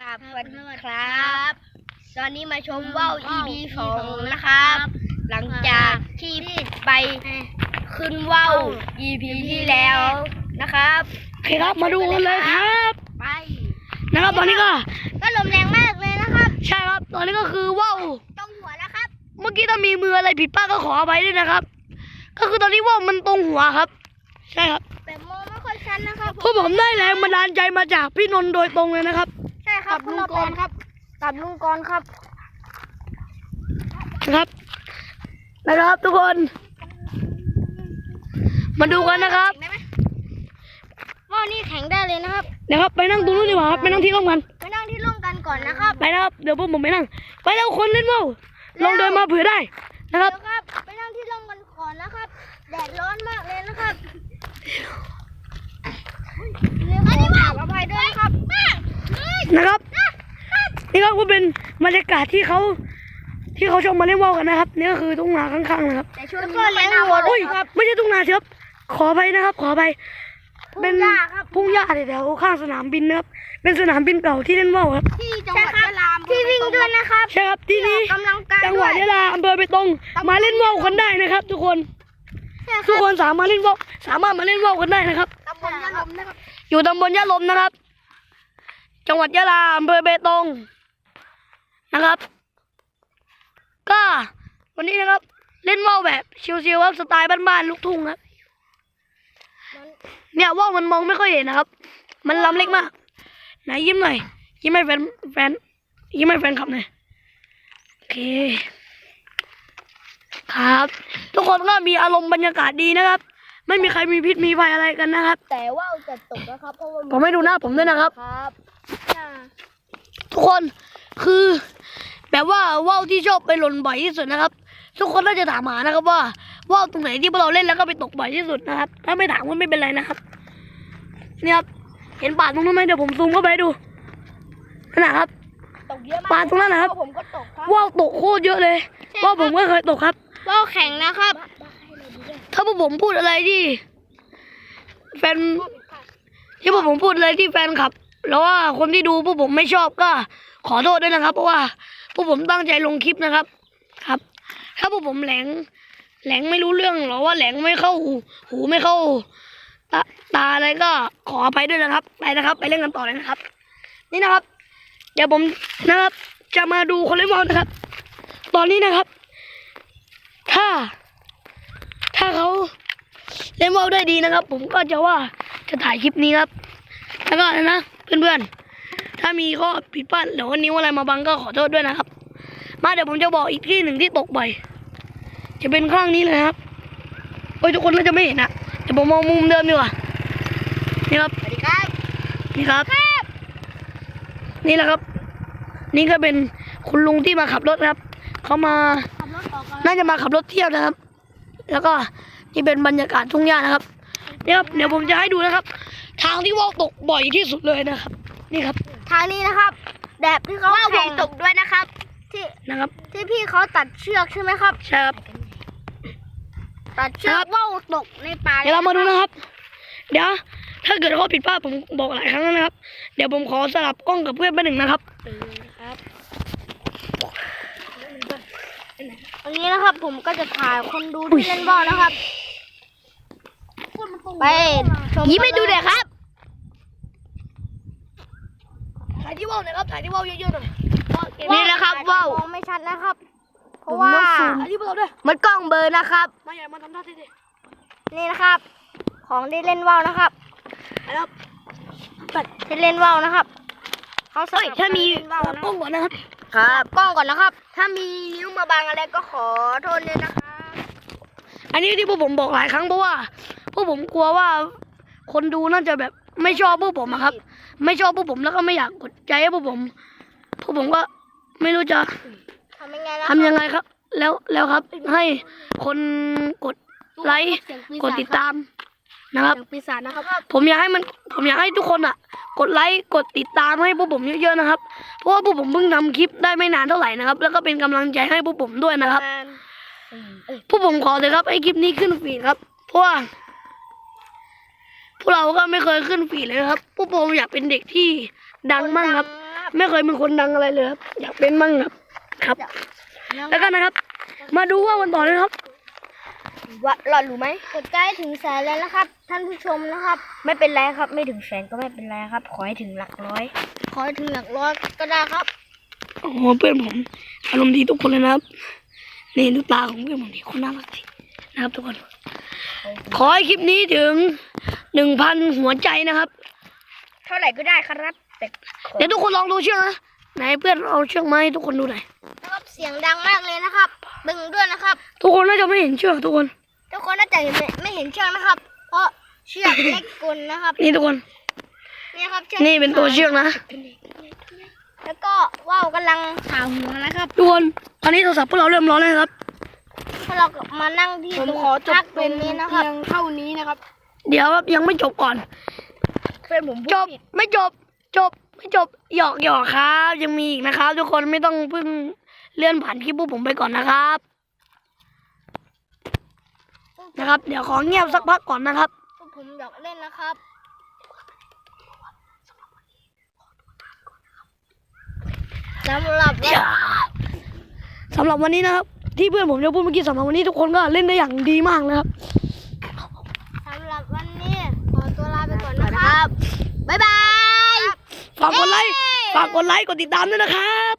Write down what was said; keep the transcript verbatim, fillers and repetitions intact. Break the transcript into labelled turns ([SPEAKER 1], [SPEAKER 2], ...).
[SPEAKER 1] ครับสวัสดีครับตอนนี้มาชมว่าว อี พี สองนะครับ หลังจากที่ไปขึ้นว่าว อี พี ที่แล้วนะครับ
[SPEAKER 2] โอเคครับมาดูกันเลยครับ
[SPEAKER 1] ไป
[SPEAKER 2] นะครับตอนนี้ก็
[SPEAKER 1] ก็ลมแรงมากเลยนะครับ
[SPEAKER 2] ใช่ครับตอนนี้ก็คือว่าว
[SPEAKER 1] ตรงหัวแล้วครับ
[SPEAKER 2] เมื่อกี้ถ้ามีมืออะไรผิดพลาดก็ขออภัยด้วยนะครับก็คือตอนนี้ว่าวมันตรงหัวครับใช่ครับ
[SPEAKER 1] แต่มองไม่ค่อยชัดนะครับ
[SPEAKER 2] พวกผมได้แรงบันดาลใจมาจากพี่นนท์โดยตรงเลยนะครับ
[SPEAKER 1] ใช่ครับลุงกรครับกับลุงกรครับ
[SPEAKER 2] นะครับนะครับทุกคนมาดูกันนะครับ
[SPEAKER 1] ว่าวนี่แข็งได้เลยนะครับ
[SPEAKER 2] เดี๋ยวครับไปนั่งตรงนู้นดีกว่าครับไปนั่งที่ร่มกัน
[SPEAKER 1] ไปนั่งที่ร่มกันก่อนนะครับ
[SPEAKER 2] ไปนะครับเดี๋ยวพวกผมไปนั่งไปแล้วคนเล่นว่าวลองเดินมาเผื่อได้นะครับ
[SPEAKER 1] ไปนั่งที่ร่มกันก่อนนะครับแดดร้อนมากเลยนะครับอันนี้ว่าอภัยด้วยครับ
[SPEAKER 2] นะครับนี่ก็เป็นบรรยากาศที่เขาที่เขาชมมาเล่นว่าวกันนะครับนี่ก็คือทุ่งนาข้างๆนะครับ
[SPEAKER 1] แต่ช่วงนี้ไม่น่าวัว
[SPEAKER 2] อุ้ยไม่ใช่ทุ่งนาครับขอไปนะครับขอไปเป็นพุ่งหญ้าแถวข้างสนามบินนะครับเป็นสนามบินเก่าที่เล่นว่าวครับ
[SPEAKER 1] ที่จังหวัดยะลาที่วิ่งด้วยนะครับ
[SPEAKER 2] ใช่ครับที่นี่จังหวัดยะลาอำเภอเบตงมาเล่นว่าวกันได้นะครับทุกคนทุกคนสามารถเล่นว่าวสามารถมาเล่นว่าวกันได้นะครับ
[SPEAKER 1] ตำบลยะลมนะครับ
[SPEAKER 2] อยู่ตำบลยะลมนะครับจังหวัดยะลาอำเภอเบตงนะครับก็วันนี้นะครับเล่นว่าวแบบชิวๆครับสไตล์บ้านๆลูกทุ่งครับเนี่ยว่าวมันมองไม่ค่อยเห็นนะครับมันลำเล็กมากไหนยิ้มหน่อยยิ้มให้แฟนแฟนยิ้มให้แฟนขับหน่อยโอเคครับทุกคนก็มีอารมณ์บรรยากาศดีนะครับไม่มีใครมีพิษมีภัยอะไรกันนะครับ
[SPEAKER 1] แต่ว่าวจะตกนะครับเพราะว่า
[SPEAKER 2] ผมไม่ดูหน้าผมด้วยนะครับ
[SPEAKER 1] ครับ
[SPEAKER 2] ทุกคนคือแบบว่าว่าวที่ชอบไปหล่นบ่อยที่สุดนะครับทุกคนน่าจะถามหานะครับว่าว่าวตรงไหนที่พวกเราเล่นแล้วก็ไปตกบ่อยที่สุดนะครับถ้าไม่ถามก็ไม่เป็นไรนะครับนี่ครับเห็นป่าตรงนั้นไหมเดี๋ยวผมซูมเข้าไปดูนะครับ
[SPEAKER 1] ตกเยอะมาก
[SPEAKER 2] ป่าตรงนั้นนะครับ
[SPEAKER 1] ผมก็ตกครับ
[SPEAKER 2] ว่าวตกโคตรเยอะเลยว่าวผมก็เคยตกครับ
[SPEAKER 1] ว่าวแข็งนะครับ
[SPEAKER 2] ถ้าพวกผมพูดอะไรที่แฟนที่พวกผมพูดอะไรที่แฟนคลับแล้วว่าคนที่ดูพวกผมไม่ชอบก็ขอโทษด้วยนะครับเพราะว่าพวกผมตั้งใจลงคลิปนะครับครับถ้าพวกผมแหลงแหลงไม่รู้เรื่องหรอว่าแหลงไม่เข้าหูหูไม่เข้าตาตาอะไรก็ขออภัยด้วยนะครับไปนะครับไปเล่นกันต่อเลยนะครับนี่นะครับเดี๋ยวผมนะครับจะมาดูคนเล่นว่าวนะครับตอนนี้นะครับถ้าถ้าเขาเล่นว่าวได้ดีนะครับผมก็จะว่าจะถ่ายคลิปนี้ครับแล้วก็นะเพื่อนๆถ้ามีข้อผิดพลาดหรือว่านิ้วอะไรมาบังก็ขอโทษด้วยนะครับมาเดี๋ยวผมจะบอกอีกที่หนึ่งที่ตกบ่อยจะเป็นข้างนี้เลยครับโอ้ยทุกคนน่าจะไม่เห็นนะเดี๋ยวผมมองมุมเดิมดีกว่านี่ครับ
[SPEAKER 1] สวัสดีครับ
[SPEAKER 2] นี่ครับนี่แหละครับนี่ก็เป็นคุณลุงที่มาขับรถครับเขามาน่าจะมาขับรถเที่ยวนะครับแล้วก็นี่เป็นบรรยากาศทุ่งหญ้านะครับนี่ครับเดี๋ยวผมจะให้ดูนะครับทางที่ว่าวตกบ่อยที่สุดเลยนะครับนี่ครับ
[SPEAKER 1] ทางนี้นะครับแบบที่เขาแข่งตกด้วยนะครับที่
[SPEAKER 2] นะครับ
[SPEAKER 1] ที่พี่เขาตัดเชือกใช่ไหมครับ
[SPEAKER 2] ใช่ครับ
[SPEAKER 1] ตัดเชือกว่าวตกในป่า
[SPEAKER 2] เดี๋ยวเรามาดูนะครับเดี๋ยวถ้าเกิดข้อผิดพลาดผมบอกหลายครั้งแล้วนะครับเดี๋ยวผมขอสลับกล้องกับเพื่อนไปหนึ่งนะครับ
[SPEAKER 1] อันนี้นะครับผมก็จะถ่ายคนดูที่เล่นว่าวนะครับไปยิ้มให้ดูเลยครับ
[SPEAKER 2] ถ่ายที่ว่าวหน่อยครับถ่ายที่ว่าวเยอะๆหน่อย
[SPEAKER 1] นี่นะครับว่าวมองไม่ชัดนะครับเพราะว่า
[SPEAKER 2] มัน
[SPEAKER 1] กล้องเบอร์นะครับ
[SPEAKER 2] มาใหญ่มาทำท่าเท่
[SPEAKER 1] ๆนี่นะครับของที่เล่นว่าวนะครับ
[SPEAKER 2] นะครับ
[SPEAKER 1] ที่เล่นว่าวนะครับเขาใส่
[SPEAKER 2] ถ้ามีกล้องก่อนนะครับ
[SPEAKER 1] ครับกล้องก่อนนะครับถ้ามีนิ้วมาบังอะไรก็ขอโทษด้วยนะคะ
[SPEAKER 2] อันนี้ที่พวกผมบอกหลายครั้งเพราะว่าพวกผมกลัวว่าคนดูน่าจะแบบไม่ชอบพวกผมครับไม่ชอบพวกผมแล้วก็ไม่อยากกดใจให้พวกผมพวกผมก็ไม่รู้จะ
[SPEAKER 1] ทำยังไง
[SPEAKER 2] ทำยังไงครับแล้วแล้วครับให้คนกดไลค์กดติดตามนะครับผมอยากให้มันผมอยากให้ทุกคนอ่ะกดไลค์กดติดตามให้พวกผมเยอะๆนะครับเพราะว่าพวกผมเพิ่งทำคลิปได้ไม่นานเท่าไหร่นะครับแล้วก็เป็นกำลังใจให้พวกผมด้วยนะครับพวกผมขอเลยครับให้คลิปนี้ขึ้นฟีดครับเพราะว่าพวกเราก็ไม่เคยขึ้นฟีดเลยครับพวกผมอยากเป็นเด็กที่ดังมั่งครับไม่เคยเป็นคนดังอะไรเลยครับอยากเป็นมั่งครับครับ แล้วกันนะครับ มาดูว่าวันต่อเลยครับ
[SPEAKER 1] ว่าหลอดรู้ไหมกดใกล้ถึงแสนแล้วนะครับ ท่านผู้ชมนะครับ ไม่เป็นไรครับ ไม่ถึงแสนก็ไม่เป็นไรครับ ขอให้ถึงหลักร้อย ขอให้ถึงหลักร้อยก็ได้ครับ
[SPEAKER 2] โอ้โหเพื่อนผมอารมณ์ดีทุกคนเลยนะครับนี่ดูตาของเพื่อนผมดีคนน่ารักดีนะครับ ทุกคน ขอให้คลิปนี้ถึงหนึ่งพันหัวใจนะครับ
[SPEAKER 1] เท่าไหร่ก็ได้ครับแต่ขอ
[SPEAKER 2] เดี๋ยวทุกคนลองดูเชือกนะไหนเพื่อนเอาเชือกมาให้ทุกคนดูหน่อย
[SPEAKER 1] นะครับเสียงดังมากเลยนะครับดึงด้วยนะครับ
[SPEAKER 2] ทุกคนน่าจะไม่เห็นเชือกทุกคน
[SPEAKER 1] ทุกคนน่าจะเห็นไม่ไม่เห็นเชือกนะครับ เพราะเชือกเล็กกลนะครับ
[SPEAKER 2] นี่ทุกคน
[SPEAKER 1] นี่ครับชือก
[SPEAKER 2] นี่เป็นตัวเชือกนะ
[SPEAKER 1] แล้วก็ว่าวกำลังผ่าหัวนะครับ
[SPEAKER 2] ทุกคนตอนนี้โทรศัพท์พวกเราเริ่มร้อนแล้วนะครับ
[SPEAKER 1] พอเรามานั่งที่ตรงพักตรงนี้นะครับเท่านี้นะครับ
[SPEAKER 2] เดี๋ยวครับยังไม่จบก่อน
[SPEAKER 1] เพื่อนผมพูด
[SPEAKER 2] จบ
[SPEAKER 1] ผิด
[SPEAKER 2] ไม่จบ จบไม่จบหยอกหยอกครับยังมีอีกนะครับ ทุกคนไม่ต้องเพิ่งเลื่อนผ่านคลิปพวกผมไปก่อนนะครับนะครับ เดี๋ยวขอเงียบสักพักก่อนนะครับ
[SPEAKER 1] พวกผมอยากเล่นนะครับสำหรับวัน
[SPEAKER 2] สำหรับวันนี้นะครับ ที่เพื่อนผมจะพูดเมื่อกี้สำหรับวันนี้ทุกคนก็เล่นได้อย่างดีมากนะครับ
[SPEAKER 1] สำหรับวันนี้ขอตัวลาไปก่อนนะครับบ๊ายบาย
[SPEAKER 2] ฝากกดไลค์ฝากกดไลค์กดติดตามด้วยนะครับ